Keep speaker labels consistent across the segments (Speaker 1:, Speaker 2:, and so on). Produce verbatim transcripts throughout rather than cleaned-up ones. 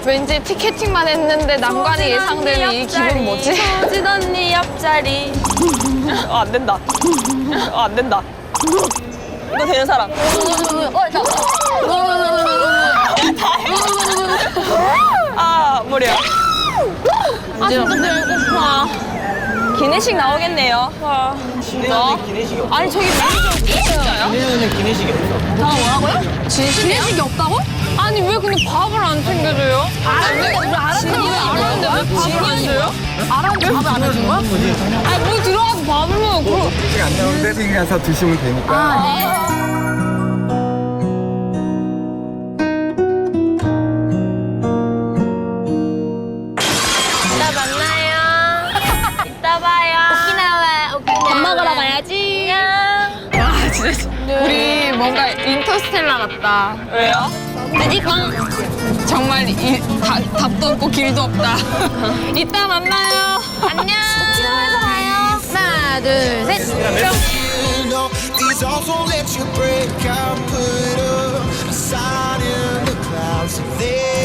Speaker 1: 왠지 티켓팅만 했는데 난관이 예상되는 이 기분 뭐지?
Speaker 2: 소진 언니 옆자리. 어, 안 된다. 어, 안 된다. 이거 되는 사람. 아, 머리야.
Speaker 1: 아 진짜 배고파.
Speaker 2: 기내식 나오겠네요. 와.
Speaker 3: 진짜? 기내식이 없어.
Speaker 1: 아니 저기 진짜요?
Speaker 3: 기내는 기내식이 없어.
Speaker 1: 다 뭐라고요? 진심이식이 없다고? 아니 왜 근데 밥을 안 챙겨줘요? 알았는데 왜 알았는데 왜 알았는데 왜 밥을 안 줘요? 알았는데 밥을 안 해준 거야? 아니 뭐 들어가서 밥을 먹어. 그럼
Speaker 4: 기내식 안 나오는데 지금 가서 드시면 되니까.
Speaker 1: 아, 네.
Speaker 2: 이따 만나요. 이따 봐요. 오키나와, 오키나와. 밥 먹으러 가야지. 안녕.
Speaker 1: 와 진짜 우리 뭔가 인터스텔라 같다.
Speaker 2: 왜요?
Speaker 1: 뮤직방 정말 이, 다, 답도 없고 길도 없다. 이따 만나요.
Speaker 2: 안녕. 오키나와에서 봐요.
Speaker 1: 하나 둘 셋.
Speaker 5: These arms won't let you break. I'll put up a sign in the clouds. There.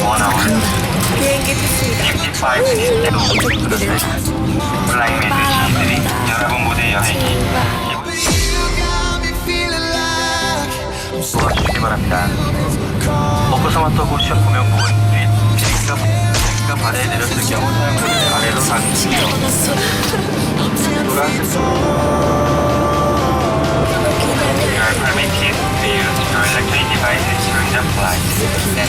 Speaker 6: 십오 시대로 그릇을 플라잉 매드신들이 여러분 모두의 여행이
Speaker 5: You got me feeling like I'm
Speaker 6: 도와주시기 바랍니다. 오크사마토 고시션 구명부은 및 비행기가 비행기가 바다에 내렸을 경우 사용자들의 아래로 닿습니다. You are permitted to use your electronic devices during the flight.